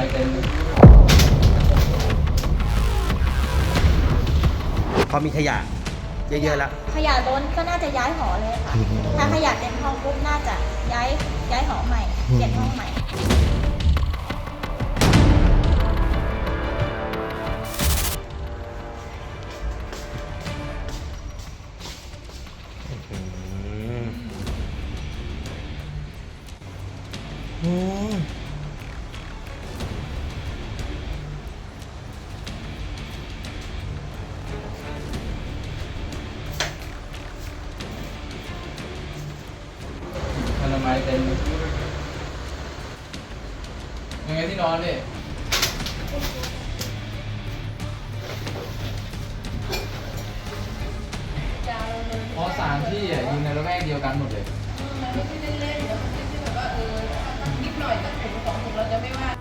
เต็มพอมีขยะเยอะๆแล้วขยะล้นก็น่าจะย้ายหอเลยค่ะถ้าขยะเต็มห้องปุ๊บน่าจะย้ายหอใหม่เปลี่ยนห้องใหม่อนามัยเต็มยังไงที่นอนดิเพราะ3 ที่ยิงในระแวกเดียวกันหมดเลยมันไม่ใช่เล่นๆเดี๋ยวมันไม่ใช่แบบว่านิดหน่อยก็ถุง2 ถุงเราจะไม่ว่า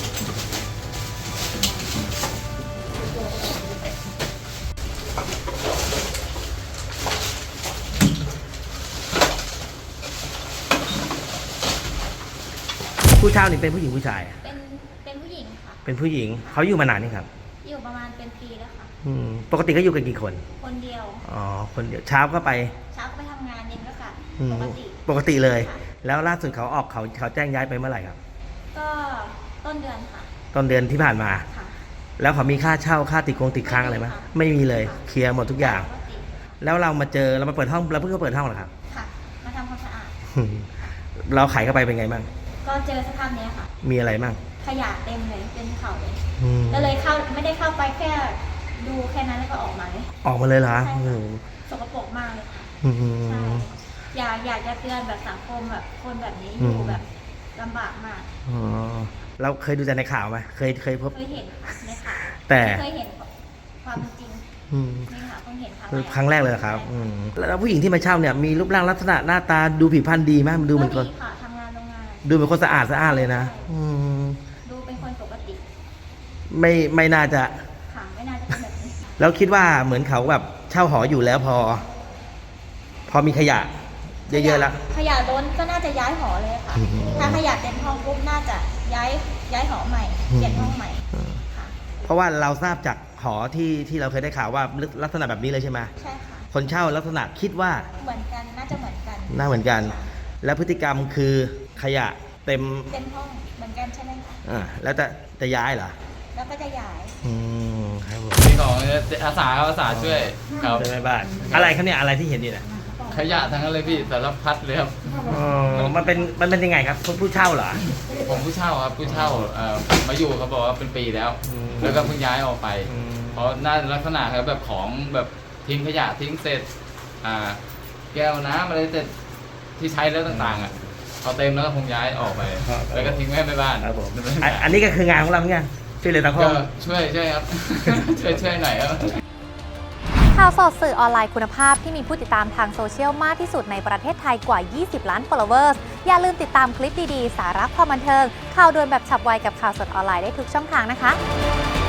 ผู้เช่านี่เป็นผู้หญิงผู้ชายเป็นผู้หญิงค่ะเป็นผู้หญิงเขาอยู่มานานนี่ครับอยู่ประมาณเป็นปีแล้วค่ะปกติก็อยู่กันกี่คนคนเดียวอ๋อคนเดียวเช้าก็ไปทำงานเย็นก็กลับปกติเลยแล้วล่าสุดเขาแจ้งย้ายไปเมื่อไหร่ครับก็ต้นเดือนค่ะต้นเดือนที่ผ่านมาค่ะแล้วเขามีค่าเช่าค่าติดค้างอะไรไหมไม่มีเลยเคลียร์หมดทุกอย่างแล้วเรามาเปิดห้องเราเพิ่งเปิดห้องเหรอครับค่ะมาทำความสะอาดเราไขเข้าไปเป็นไงบ้างก็เจอสภาพนี้ค่ะมีอะไรบ้างขยะเต็มเลยเป็นเขาเลยก็เลยไม่ได้เข้าไปแค่ดูแค่นั้นแล้วก็ออกมาเลยเหรอสกปรกมากเลยค่ะใช่อยากจะเตือนแบบสังคมแบบคนแบบนี้อยู่แบบลำบากมากเราเคยดูแต่ในข่าวไหมเคยพบเคยเห็นในข่าวแต่เคยเห็นความจริงในข่าวเพิ่งเห็นครั้งแรกเลยครับแล้วผู้หญิงที่มาเช่าเนี่ยมีรูปร่างลักษณะหน้าตาดูผิวพรรณดีไหมมันดูเหมือนคนทำงานโรงงานดูเป็นคนสะอาดเลยนะดูเป็นคนปกติไม่น่าจะค่ะไม่น่าจะเป็นแบบนี้แล้วคิดว่าเหมือนเขาแบบเช่าหออยู่แล้วพอมีขยะเยอะๆแล้วขยะล้นก็น่าจะย้ายหอเลยค่ะถ้าขยะเต็มห้องปุ๊บน่าจะย้ายหอใหม่เปลี่ยนห้องใหม่ค่ะเพราะว่าเราทราบจากหอที่เราเคยได้ข่าวว่าลักษณะแบบนี้เลยใช่ไหมใช่ค่ะคนเช่าลักษณะคิดว่าเหมือนกันน่าจะเหมือนกันแล้วพฤติกรรมคือขยะเต็มห้องเหมือนกันใช่ไหมคะแล้วจะย้ายเหรอแล้วก็จะย้ายครับผมนี่ของอาสาช่วยครับช่วยบ้านอะไรครับเนี่ยอะไรที่เห็นนี่นะขยะทั้งนั้นเลยพี่สารพัดเลยครับมันเป็นยังไงครับผู้เช่าเหรอผมผู้เช่าครับผู้เช่ามาอยู่เขาบอกว่าเป็นปีแล้วแล้วก็เพิ่งย้ายออกไปเพราะน่าลักษณะครับแบบของแบบทิ้งขยะทิ้งเศษแก้วน้ำอะไรเศษที่ใช้แล้วต่างๆเอาเต็มแล้วก็คงย้ายออกไปแล้วก็ทิ้งไว้ในบ้านครับผมอันนี้ก็คืองานของเราเนี่ยช่วยเหลือสังคมช่วยครับช่วยหน่อยครับข่าวสดสื่อออนไลน์คุณภาพที่มีผู้ติดตามทางโซเชียลมากที่สุดในประเทศไทยกว่า 20 ล้าน followers อย่าลืมติดตามคลิปดีๆ สาระความบันเทิงข่าวด่วนแบบฉับไวกับข่าวสดออนไลน์ได้ทุกช่องทางนะคะ